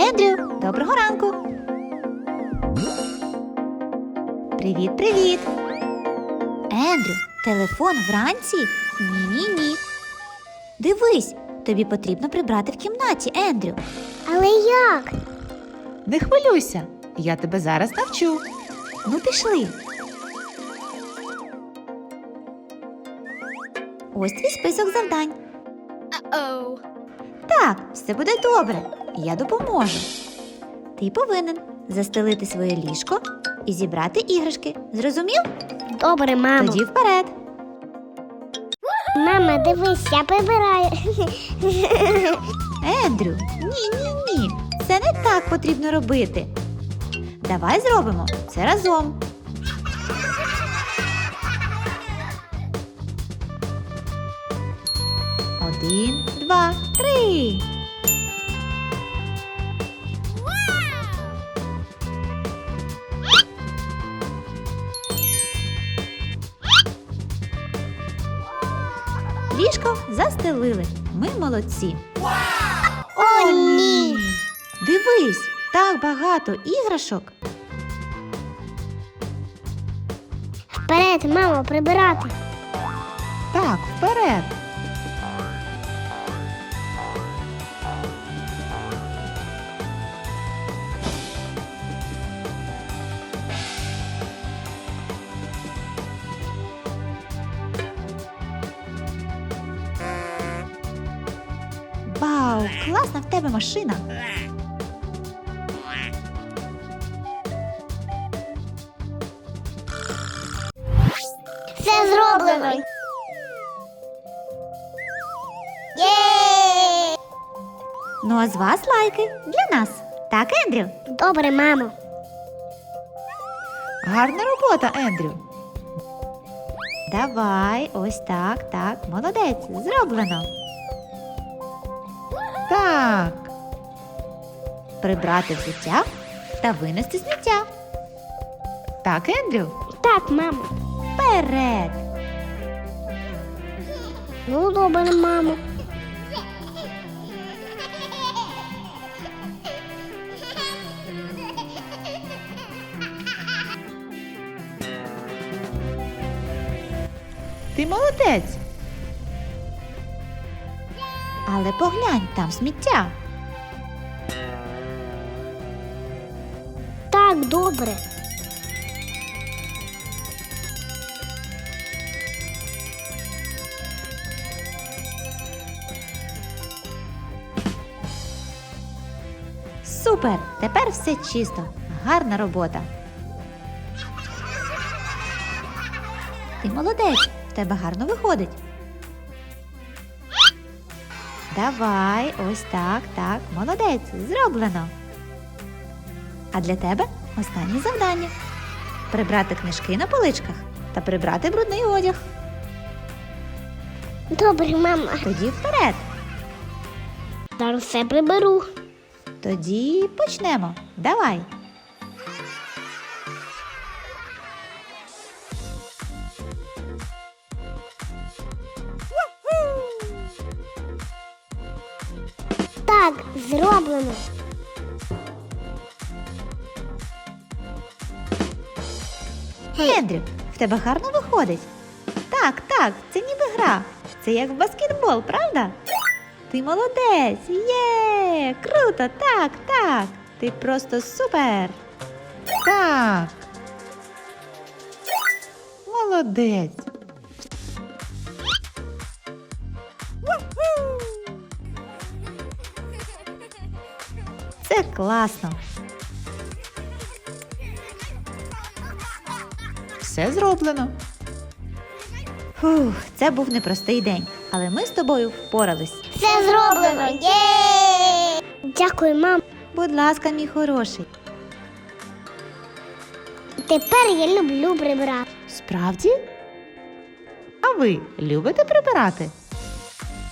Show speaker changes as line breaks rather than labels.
Ендрю, доброго ранку! Привіт! Ендрю, телефон вранці? Ні. Дивись, тобі потрібно прибрати в кімнаті, Ендрю.
Але як?
Не хвилюйся, я тебе зараз навчу.
Ну, пішли. Ось твій список завдань. Так, все буде добре. Я допоможу. Ти повинен застелити своє ліжко і зібрати іграшки. Зрозумів?
Добре, мамо.
Тоді вперед.
Мама, дивись, я прибираю.
Ендрю, ні. Це не так потрібно робити. Давай зробимо це разом. Один, два, три. Ліжко застелили. Ми молодці.
О, ні.
Дивись, так багато іграшок.
Вперед, мамо, прибирати.
Так, вперед.
Вау, класна в тебе машина.
Все зроблено. Є!
Ну а з вас лайки для нас. Так, Ендрю?
Добре, мамо.
Гарна робота, Ендрю.
Давай, ось так, молодець, зроблено.
Так,
Прибрати взуття та винести сміття.
так, Ендрю.
Так, мамо.
Вперед!
Ну, добре, мамо.
Ти молодець.
Але поглянь, там сміття.
Так, добре.
Супер! Тепер все чисто. Гарна робота. Ти молодець, в тебе гарно виходить. Давай, ось так, молодець, зроблено. А для тебе останнє завдання. Прибрати книжки на поличках та прибрати брудний одяг.
Добре, мама.
Тоді вперед.
Зараз все приберу.
Тоді почнемо. Давай.
Так, зроблено.
Ендрю, в тебе гарно виходить. Так, це ніби гра. Це як в баскетбол, правда? Ти молодець! Є! Круто! Так! Ти просто супер!
Так. Молодець.
Це класно!
Все зроблено.
Фух, це був непростий день, але ми з тобою впорались.
Все зроблено. Є! Дякую, мам.
Будь ласка, мій хороший.
Тепер я люблю прибирати.
Справді?
А ви любите прибирати?